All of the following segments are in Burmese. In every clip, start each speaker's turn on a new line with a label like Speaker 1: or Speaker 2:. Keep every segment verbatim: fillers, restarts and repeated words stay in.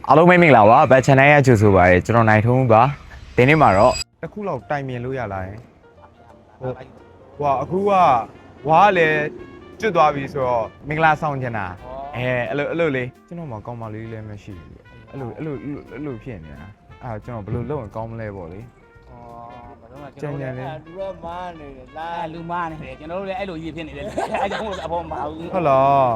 Speaker 1: အားလုံးပဲမင်္ဂလာပါဘတ်ချန်နယ်ရဲ့ကြိုဆိုပါရစေကျွန်တော်နိုင်ထုံးပါဒီနေ့မှာတော့တစ်ခုလောက်တိုင်မြင်လို့ရလာရင်ဟုတ်ဟွာအခုကဝါကလည်းကျွတ်သွားပြီဆိုတော့မင်္ဂလာဆောင်ချင်တာအဲအဲ့လိုအဲ့လိုလေးကျွန်တော်မှကောင်းပါလေးလည်းမရှိဘူးအဲ့လိုအဲ့လိုအဲ့လိုဖြစ်နေတာအဲ့ကျွန်တော်ဘယ်လိုလုပ်ရင်ကောင်းမလဲပေါ့လေ
Speaker 2: ကျန်ကျန်လေးလူတော့မားနေတယ်လားလူမားနေတယ်ကျွန်တော်တို့လည်းအဲ့လိုကြီးဖြစ်နေတယ်အဲ့ကြောင့်မို့အဖေမပါဘူး
Speaker 1: ဟုတ်လား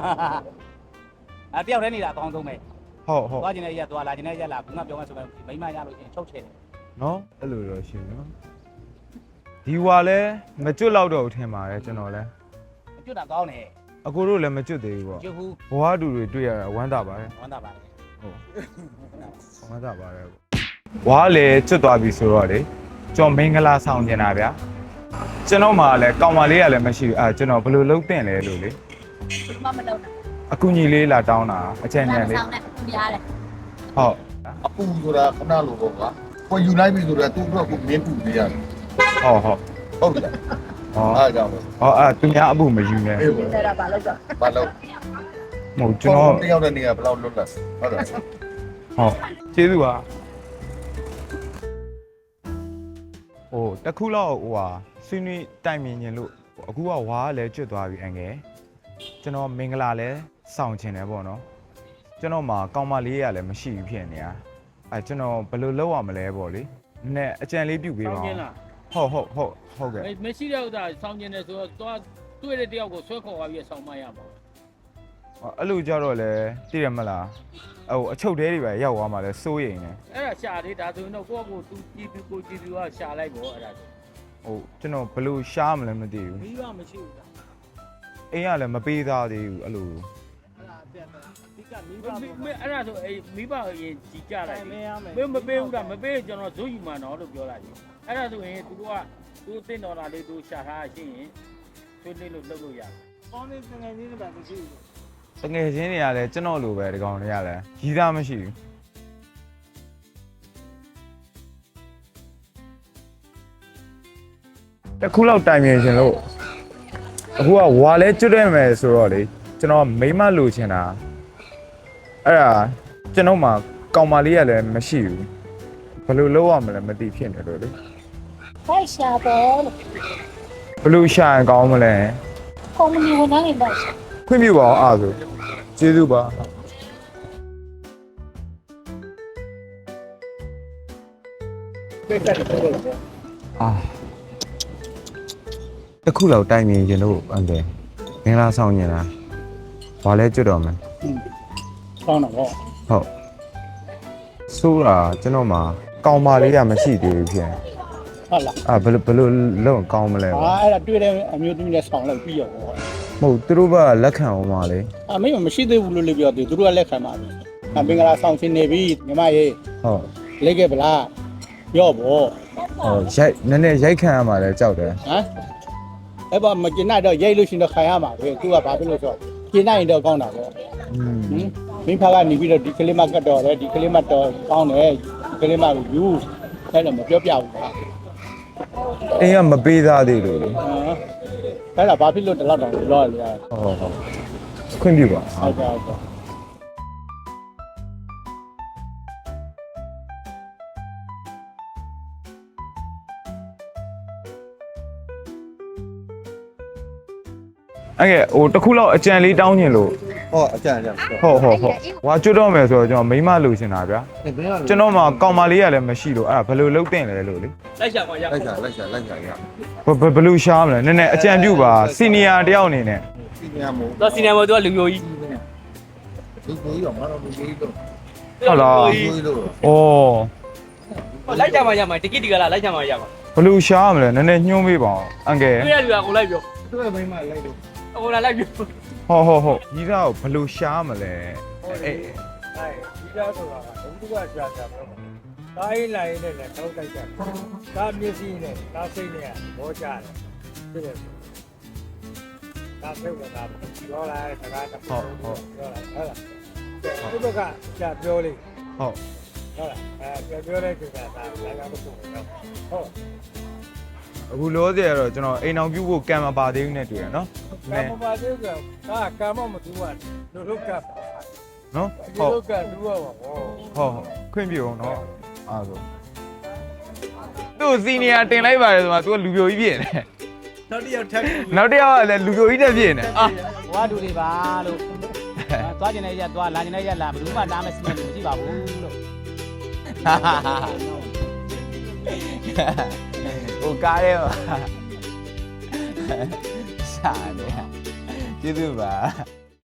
Speaker 2: အဲ့တယောက်တည်းနေတာအကောင်းဆုံးပဲ
Speaker 1: ဟုတ်ဟုတ်
Speaker 2: သွားကျင်တဲ့ရက်သွားလာကျင်တဲ့ရက်လာခုနပြောမှဆိုရင်မိမရလို့ချင်းချုပ်ချယ်တယ်
Speaker 1: နော်အဲ့လိုတော့ရှင်နော်ဒီဝါလဲမကျွတ်တော့တော့ထင်ပါတယ်ကျွန်တော်လဲ
Speaker 2: မကျွတ်တာကောင်းတယ်
Speaker 1: အကိုတို့လည်းမကျွတ်သေးဘူးပေါ့
Speaker 2: ကျွတ်ဘူး
Speaker 1: ဘဝတူတွေတွေ့ရတာဝမ်းသာပါတယ်
Speaker 2: ဝမ်းသာပါတယ်
Speaker 1: ဟုတ်ဝမ်းသာပါတယ်ဝါလည်းကျွတ်သွားပြီဆိုတော့လေကျွန်တော်မင်္ဂလာဆောင်ကျင်တာဗျာကျွန်တော်မှလည်းကောင်မလေးကလည်းမရှိဘူးအဲကျွန်တော်ဘယ်လိုလုပ်တင်လဲလို့လေ
Speaker 3: မမလုပ်တာ
Speaker 1: အကူညီလေးလာတောင်းတာအချမ်းချမ်းလေး
Speaker 3: ဆောင်းနဲ့များတယ်
Speaker 1: ဟုတ်
Speaker 4: အပူဆိုတာခဏလိုပေါ့ကွာကိုယူလိုက်ပြီဆိုတော့သူ့အတွက်ကိုမင်းပူပေးရတယ်
Speaker 1: ဟုတ်ဟုတ်
Speaker 4: ဟုတ်ပြီလား
Speaker 1: ဟော
Speaker 4: အားကြောင့်
Speaker 1: ဟောအဲသူများအပူမယူနဲ့
Speaker 4: အေး
Speaker 3: တယ်တာဘာလို့ကြော
Speaker 4: ဘာလို့
Speaker 1: မဟုတ်ကျွန်တော်
Speaker 4: တယောက်တည်းနေကဘယ်လောက်လွတ်လပ်ဟုတ်တယ်
Speaker 1: ဟုတ်ကျေးဇူးပါဟိုတခုလောက်ဟိုဟာဆွေးနွေးတိုင်မြင်ရင်လို့အခုကဝါကလည်းကျွတ်သွားပြီအငယ်ကျွန်တော်မင်္ဂလာလည်းဆောင်ချင်တယ်ပေါ့နော်ကျွန်တော်မှာကောင်မလေးရလည်းမရှိဘူးဖြစ်နေတာအဲကျွန်တော်ဘယ်လိုလုပ်ရမလဲပေါ့လေနည်းအကြံလေးပြုပေးပါဦးဟုတ်ဟုတ်ဟုတ်ဟုတ်ကဲ့
Speaker 5: မရှိတဲ့ဥစ္စာဆောင်ကျင်တယ်ဆိုတော့သွားတွေ့တဲ့တယောက်ကိုဆွဲခေါ်သွားပြီးဆောင်မရမှာ
Speaker 1: အဲ့လိုကြတော့လေသိရမလားဟိုအချုပ်သေးတွေပဲရောက်သွားမှလဲစိုးရိမ်နေ
Speaker 5: အဲ့ဒါရှာသေးဒါဆိုရင်တော့ကိုယ့်ကိုသူကြည့်ပြီးကိုကြည့်ပြီးကရှာလိုက်ပေါ့အဲ့ဒါ
Speaker 1: ဟိုကျွန်တော်ဘယ်လိုရှားမလဲမသိဘူး
Speaker 5: မိဘမရှိဘူးလား
Speaker 1: အိမ်ကလည်းမပေးသားသေးဘူးအဲ့လို
Speaker 5: အဲ့ဒါအပြတ်ပဲဒီကမိဘအဲ့ဒါဆိုအေးမိဘရင်ကြီးကြလိုက်မင်းမပေးဘူးလားမပေးကျွန်တော်ဇွတ်ယူမှာနော်လို့ပြောလိုက်အဲ့ဒါဆိုရင်သူတို့ကသူသိတော်တာလေးသူရှာထားရှင်းရင်ဆွေးနွေးလို့လုပ်လို့ရတယ်။ကောင်းနေငယ်ချင်းတွေပဲမရှိဘူး
Speaker 1: ။ငယ်ချင်းတွေကလည်းကျွန်တော်လိုပဲဒီကောင်တွေကလည်းကြီးသားမရှိဘူး။တခုလောက်တိုင်မြင်ရှင်လို့အခုကဝါလဲကျွတ်တယ်မယ်ဆိုတော့လေကျွန်တော်မိမလိုချင်တာအဲ့ဒါကျွန်တော်မှကောင်မလေးကလည်းမရှိဘူးဘယ်လိုလုပ်ရမလဲမသိဖြစ်နေလို့လေ
Speaker 3: ဖိုက်ရှာပေါ်လို့
Speaker 1: ဘယ်လိုရှာရင်ကောင်းမလဲ
Speaker 3: ကုမ္ပဏီဝန်ထမ်းတွေပါရှာ
Speaker 1: ခွင့်ပြုပါအောင်အားဆိုကျေးဇူးပါအာတခုလောက်တိုင်မြင်ရင်တို့အန်တယ်မင်္ဂလာဆောင်နေတာဘာလဲကျွတ်တော့မယ်
Speaker 2: ကောင်းတော့ဟုတ်
Speaker 1: ဆိုးတာကျွန်တော်မှာကောင်မလေးကမရှိသေးဘူးဖြစ်
Speaker 2: ဟုတ်လား
Speaker 1: အာဘယ်လိုဘယ်လိုလုံးကောင်းမလဲ
Speaker 2: ဟာအဲ့ဒါတွေ့တဲ့အမျိုးသမီးနဲ့ဆောင်လိုက်ပြီးရောပေါ့
Speaker 1: မဟုတ်သူတို့ကလက်ခံအောင်ပါလေ
Speaker 2: အမေမရှိသေးဘူးလို့လည်းပြောသေးသူတို့ကလက်ခံပါပြီအမင်္ဂလာဆောင်ရှင်နေပြီညီမရေ
Speaker 1: ဟုတ်
Speaker 2: လိတ်ခဲ့ဗလားရော့ပေါ့
Speaker 1: ဟောရိုက်နည်းနည်းရိုက်ခံရမှာလဲကြောက်တယ်
Speaker 2: ဟမ်အဲ့ဘာမကျင်နိုင်တော့ရိုက်လို့ရှင်တော့ခံရမှာပဲသူကဘာဖြစ်လို့ဆိုတော့ကျင်နိုင်ရင်တော့ကောင်းတာပေါ့
Speaker 1: อืม
Speaker 2: ဟင်မင်းဖကနေပြီးတော့ဒီကလေးမကတ်တော့တယ်ဒီကလေးမတော့ကောင်းတယ်ဒီကလေးမကိုယူအဲ့တော့မပြောပြဘူးလား
Speaker 1: အင်းကမပေးသားသေးလို့လေ
Speaker 2: ဟမ်အဲ့ဒါဘာဖြစ်လို့တလောက်တောင်လောရလဲ
Speaker 1: ဟုတ်ဟုတ်ခွင့်ပြုပါ
Speaker 2: ဟုတ်ကဲ့ဟုတ်ကဲ့
Speaker 1: အဲ့ကဲဟိုတခုလောက်အကြံလေးတောင်းညင်လို့
Speaker 4: ဟောအကြံအကြံ
Speaker 1: ဟုတ်ဟုတ်ဟုတ်ဝါကျွတ်တော့မယ်ဆိုတော့ကျွန်တော်မိမလိုချင်တာဗျာကျွန်တော်မှကောင်မလေးကလည်းမရှိလို့အဲ့ဒါဘယ်လိုလုပ်တင်လဲလို့လေ
Speaker 5: လိုက်ရှာပါရ
Speaker 4: လိုက်ရှာလိုက်ရှာလိုက်ရှာရ
Speaker 1: ဘယ်ဘယ်လိုရှားမလဲနည်းနည်းအကြံပြုပါစီနီယာတယောက်အနေနဲ့
Speaker 4: စီနီယာမို့
Speaker 5: တော့စီနီယာမို့သူကလူမျိုးကြီး
Speaker 4: လူမျိုးကြီးတော့မတော်လူမျိုးကြီးတော့
Speaker 1: ဟုတ်လား
Speaker 4: လူမျိုးကြီးတော့
Speaker 5: ဩလိုက်ကြမှာရမှာတကိတိကလာလိုက်ကြမှာရမှာ
Speaker 1: ဘယ်လိုရှားမလဲနည်းနည်းညှိုးပေးပါအောင်အန်ကယ်
Speaker 5: တွေ့ရလူကကိုလိုက်ပြော
Speaker 4: တွေ့မိမလိုက်လို့
Speaker 5: ဟိုလာလိုက်ပြော
Speaker 1: ဟုတ်ဟုတ်ဟုတ်ကြီးသားကိုဘယ်လိုရှားမလဲ
Speaker 5: အေးအဲ့ဒီသားဆိုတာကဘုသူကရှာတာပဲတားရင်လာရင်လည်းတောက်တိုက်ကြတာမျက်စိနဲ့တားစိတ်နဲ့ဘောကြတယ်ဖြစ်တယ်တားစိတ်ကပြောလိုက်စကားတော့ဟုတ်ဟုတ်ပြောလိုက်ဟုတ်လားဒီဘက်ကကြာပြောလိမ့်
Speaker 1: ဟုတ်
Speaker 5: ဟုတ်လားအဲပြောတဲ့ကိစ္စဒါလည်းကမဟုတ်ဘူးဟုတ်
Speaker 1: အခုလောဆယ်ကတော့ကျွန်တော်အိမ်အောင်ပြုဖို့ကံမပါသေးဘူးနဲ့တွေ့ရနော်
Speaker 5: ကံမပါသေးဘူးကဒါကံမမတူဘူးလို့လို့ကပ်
Speaker 1: နော်
Speaker 5: ဒီ
Speaker 1: ဟုတ်
Speaker 5: လိုကတူရပါဘော
Speaker 1: ဟုတ်ခွင့်ပြုအောင်နော်အားဆိုသူ့စီနီယာတင်လိုက်ပါတယ်ဆိုမှ तू ကလူပြိုကြီးဖြစ်နေတယ်
Speaker 5: နောက်တစ်ယောက်ထပ်ပြီး
Speaker 1: နောက်တစ်ယောက်ကလည်းလူပြိုကြီးတက်ဖြစ်နေအာ
Speaker 2: ဘွားတူတွေပါလို့သွားကျင်တဲ့ရက်သွားလာကျင်တဲ့ရက်လာဘယ်သူမှတားမစနေလို့မရှိပါဘူးလို့
Speaker 1: ဟိုကားရဲပါရှာတယ်ကျေးဇူးပါ